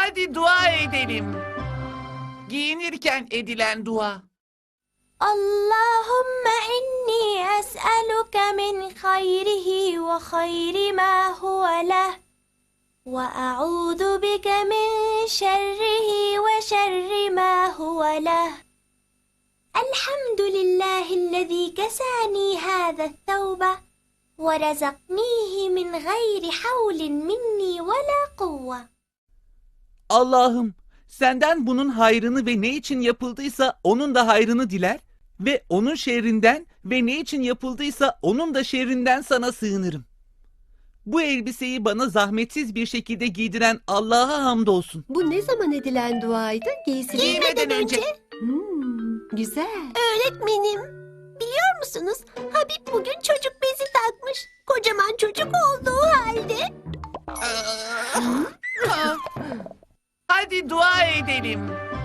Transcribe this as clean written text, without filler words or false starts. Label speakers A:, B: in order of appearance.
A: Hadi dua edelim. Giyinirken edilen dua.
B: Allahümme inni es'eluke min hayrihi ve hayri ma huve leh. Ve a'udhu bike min şerrihi ve şerri ma huve leh. Elhamdülillahillezî kesâni hâze't-tevbe ve rezaknîhi min gayri havlin minni ve la kuvve.
A: Allah'ım, senden bunun hayrını ve ne için yapıldıysa onun da hayrını diler ve onun şerrinden ve ne için yapıldıysa onun da şerrinden sana sığınırım. Bu elbiseyi bana zahmetsiz bir şekilde giydiren Allah'a hamdolsun.
C: Bu ne zaman edilen duaydı?
A: Giymeden önce.
C: Güzel.
B: Öğretmenim, biliyor musunuz? Habib bugün çocuk bezi takmış. Kocaman çocuk olduğu halde.
A: Hadi dua edelim.